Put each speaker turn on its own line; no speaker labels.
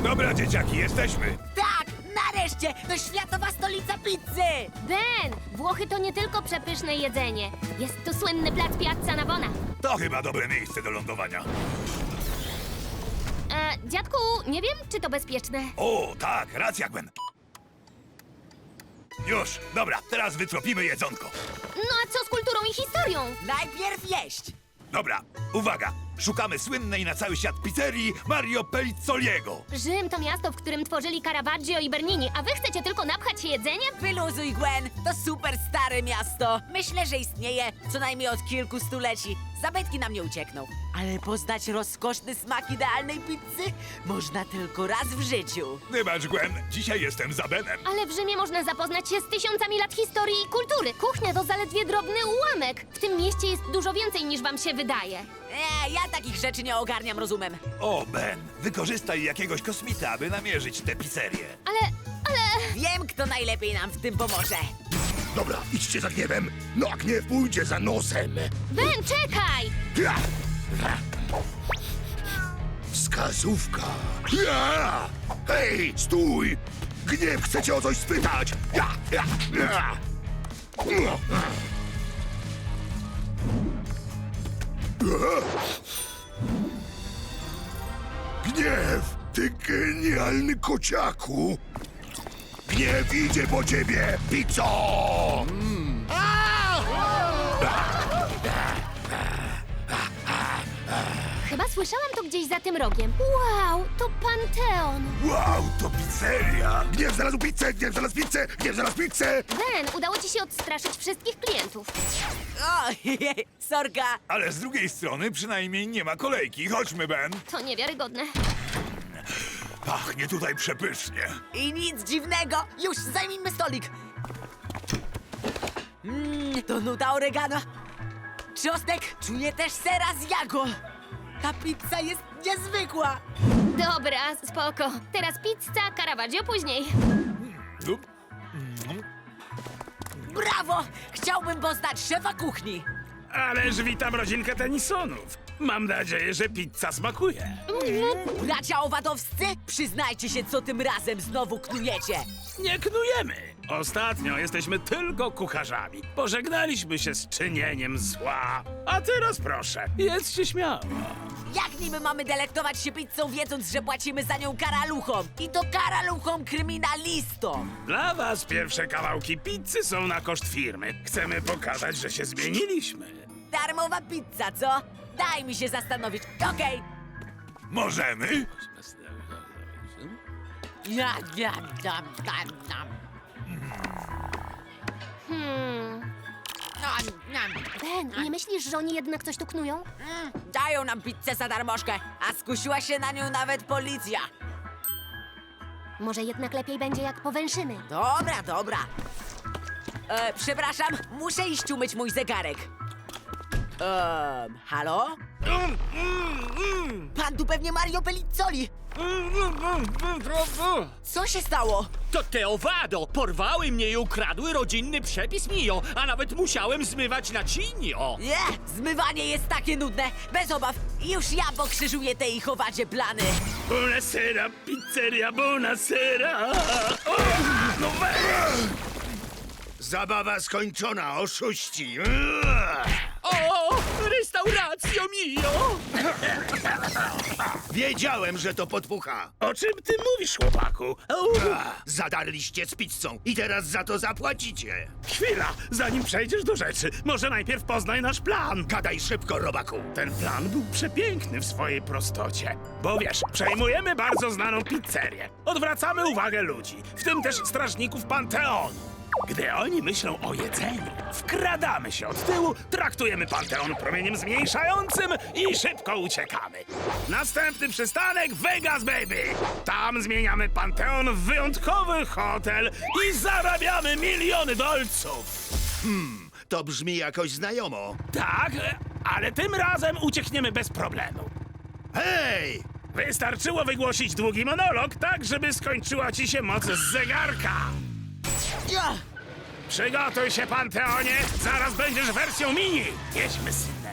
Dobra, dzieciaki, jesteśmy.
Tak, nareszcie! To światowa stolica pizzy!
Ben, Włochy to nie tylko przepyszne jedzenie. Jest to słynny plac Piazza Navona.
To chyba dobre miejsce do lądowania.
Dziadku, nie wiem, czy to bezpieczne.
O, tak, racja, Gwen. Już, dobra, teraz wytropimy jedzonko.
No a co z kulturą i historią?
Najpierw jeść!
Dobra, uwaga. Szukamy słynnej na cały świat pizzerii Mario Pellizzoliego.
Rzym to miasto, w którym tworzyli Caravaggio i Bernini, a wy chcecie tylko napchać się jedzeniem?
Wyluzuj, Gwen! To super stare miasto! Myślę, że istnieje co najmniej od kilku stuleci. Zabytki nam nie uciekną. Ale poznać rozkoszny smak idealnej pizzy można tylko raz w życiu.
Wybacz, Gwen, dzisiaj jestem za Benem.
Ale w Rzymie można zapoznać się z tysiącami lat historii i kultury. Kuchnia to zaledwie drobny ułamek. W tym mieście jest dużo więcej niż wam się wydaje.
Ja takich rzeczy nie ogarniam rozumem.
O, Ben, wykorzystaj jakiegoś kosmita, aby namierzyć tę pizzerię.
Ale...
Wiem, kto najlepiej nam w tym pomoże.
Dobra, idźcie za gniewem. No a gniew pójdzie za nosem.
Ben, czekaj!
Ja! Wskazówka. Ja! Hej, stój! Gniew chce cię o coś spytać. Ja! Gniew, ty genialny kociaku! Gniew idzie po ciebie, pizzo!
Chyba słyszałam to gdzieś za tym rogiem. Wow, to Panteon.
Wow, to pizzeria! Gniew znalazł pizzę, gniew znalazł pizzę, gniew znalazł pizzę!
Ben, udało ci się odstraszyć wszystkich klientów.
O, sorka!
Ale z drugiej strony przynajmniej nie ma kolejki. Chodźmy, Ben.
To niewiarygodne.
Pachnie tutaj przepysznie.
I nic dziwnego! Już zajmijmy stolik! To nuta oregano. Czosnek, czuję też sera z jago. Ta pizza jest niezwykła!
Dobra, spoko. Teraz pizza, Caravaggio później.
Brawo! Chciałbym poznać szefa kuchni.
Ależ witam rodzinkę Tenisonów. Mam nadzieję, że pizza smakuje.
Bracia owadowscy, przyznajcie się, co tym razem znowu knujecie.
Nie knujemy. Ostatnio jesteśmy tylko kucharzami. Pożegnaliśmy się z czynieniem zła. A teraz proszę, jedzcie śmiało.
Jak niby mamy delektować się pizzą, wiedząc, że płacimy za nią karaluchom? I to karaluchom kryminalistom!
Dla was pierwsze kawałki pizzy są na koszt firmy. Chcemy pokazać, że się zmieniliśmy.
Darmowa pizza, co? Daj mi się zastanowić. Okej.
Możemy?
Ja.
Ben, nie myślisz, że oni jednak coś tu knują?
Dają nam pizzę za darmożkę, a skusiła się na nią nawet policja.
Może jednak lepiej będzie, jak powęszymy.
Dobra. Przepraszam, muszę iść umyć mój zegarek. Halo? Pan tu pewnie Mario Pellizzoli. Co się stało?
To te owado! Porwały mnie i ukradły rodzinny przepis Mio, a nawet musiałem zmywać naczynio!
Nie, zmywanie jest takie nudne. Bez obaw, już ja pokrzyżuję te ich owadzie plany.
Buonasera, pizzeria, buonasera. O, no
Zabawa skończona, oszuści!
O! Restauracjo Mio!
Wiedziałem, że to podpucha!
O czym ty mówisz, chłopaku?
Zadarliście z pizzą i teraz za to zapłacicie!
Chwila, zanim przejdziesz do rzeczy, może najpierw poznaj nasz plan.
Gadaj szybko, robaku!
Ten plan był przepiękny w swojej prostocie. Bo wiesz, przejmujemy bardzo znaną pizzerię. Odwracamy uwagę ludzi, w tym też strażników Panteonu. Gdy oni myślą o jedzeniu, wkradamy się od tyłu, traktujemy Panteon promieniem zmniejszającym i szybko uciekamy. Następny przystanek Vegas, baby! Tam zmieniamy Panteon w wyjątkowy hotel i zarabiamy miliony dolców.
To brzmi jakoś znajomo.
Tak, ale tym razem uciekniemy bez problemu.
Hej!
Wystarczyło wygłosić długi monolog, tak żeby skończyła ci się moc z zegarka.
Ja.
Przygotuj się, Panteonie! Zaraz będziesz wersją mini! Jedźmy, synu.